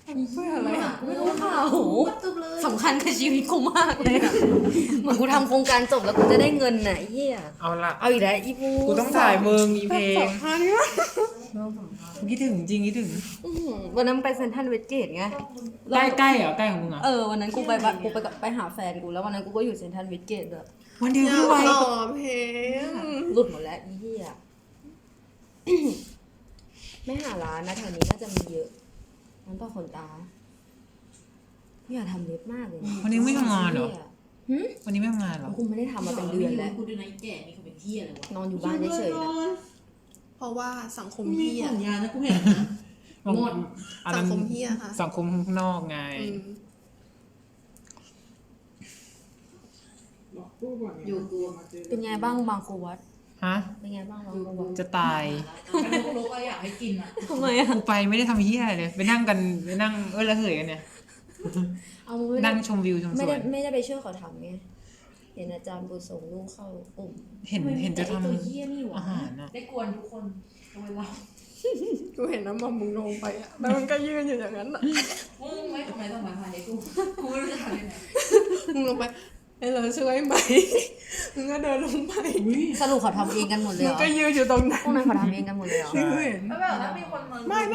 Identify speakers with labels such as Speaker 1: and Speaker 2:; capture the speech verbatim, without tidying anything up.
Speaker 1: เพื่ออะไรอ่ะ
Speaker 2: ไม่รู้ค่ะโห
Speaker 3: จบเลย
Speaker 2: สำคัญกับชีวิตกูมากเลยอะเหมือนกูทำโครงการจบแล้วกูจะได้เงินน่ะไอ้เหี้ย
Speaker 4: เอาละ
Speaker 2: เอาอีกแล้วอีพู
Speaker 4: กูต้องถ่ายมึงมีเพล
Speaker 1: ส
Speaker 4: ง
Speaker 1: องพันนี่วะ
Speaker 4: คิดถึงจริงคิดถึง
Speaker 2: อื้อหือวันนั้นไปเซ็นทรัลเวสเกตไง
Speaker 4: ใกล้ใกล้เหรอใกล้ของมึงเหรอ
Speaker 2: เออวันนั้นกูไปบะกูไปกับไปหาแฟนกูแล้ววันนั้นกูก็อยู่เซ็นทรัลเวสเกตด้วย
Speaker 4: วันเดียว
Speaker 1: อยา
Speaker 4: พี่
Speaker 1: ก
Speaker 4: ไว
Speaker 1: ต่อเพลง
Speaker 2: หลุดหมดแล้วอีเหี้ย ไม่หาร้านนะแถวนี้น่าจะมีเยอะร้านต่อขนตาพี่อยากทำเล็บมากเลย
Speaker 4: วันนี้ไม่ทำงานเหรอ
Speaker 2: หึ
Speaker 4: วันนี้ไม่ทำงานเหรอ
Speaker 2: กูไม่ได้ทำมาเป็นเดือนแล้ว
Speaker 3: กูดูในแก่นี่เขาเป็นเที่ยอะไรวะ
Speaker 2: นอนอยู่บ้านเฉยๆนะ
Speaker 1: เพราะว่าสังคม
Speaker 3: มี
Speaker 1: เฮีย
Speaker 3: สัญญานะกูเห็นนะ หมด
Speaker 4: อัน
Speaker 1: สั
Speaker 4: นั้
Speaker 1: ง
Speaker 4: น
Speaker 1: คมเฮียค่ะ
Speaker 4: สังคมข้างนอกไง
Speaker 1: อืม
Speaker 3: อยู่กู
Speaker 2: เป็นไงบ้างบางครูวัด
Speaker 4: ฮะ
Speaker 2: เป็นไงบ้างบางครูวัด
Speaker 4: จะตาย
Speaker 3: เป็นลูกลูกก็อยากให้กินอ่ะ
Speaker 2: ทำไมอ่ะ
Speaker 4: กูไปไม่ได้ทำเฮียอะไรเลย ไปนั่งกันไปนั่งเออละเหยกันเนี่ย
Speaker 2: เอาไม่ได้
Speaker 4: นั่งชมวิวชมส
Speaker 2: ไม่
Speaker 4: ว
Speaker 2: ได้
Speaker 4: น
Speaker 2: ไม่ได้ไปช่วยเขาทำไงเห็นอาจารย์บุญส่งลูกเข้ากลุ่ม
Speaker 4: เห็นเห็นจะทำ
Speaker 3: ตัวเยี่ยนี่หวะ
Speaker 4: อาหารอะ
Speaker 3: ได้กวนทุกคนทำไมเรา
Speaker 1: กูเห็นน้ำมันมึงลงไปอ่ะแล้วมันก็ยืนอยู่อย่างนั้นอ่ะ
Speaker 3: มึงไม่ทำไมต้องมาพายกูกูไม่รู้จะทำยังไง
Speaker 1: มึงลงไปให้เราช่วยไหมมึงก็เดินลงไป
Speaker 2: สรุปเขาทำเองกันหมดเลย
Speaker 1: มึ
Speaker 2: เห
Speaker 1: ง
Speaker 2: รอ
Speaker 1: ก็ยืนอยู่ตรงนั้น
Speaker 2: พวกนั้นเขาทำเองกันหมดเลยเหรอ
Speaker 1: ที่กูเห็น
Speaker 3: แล้วแบบถ้ามีคนมา
Speaker 1: ไม่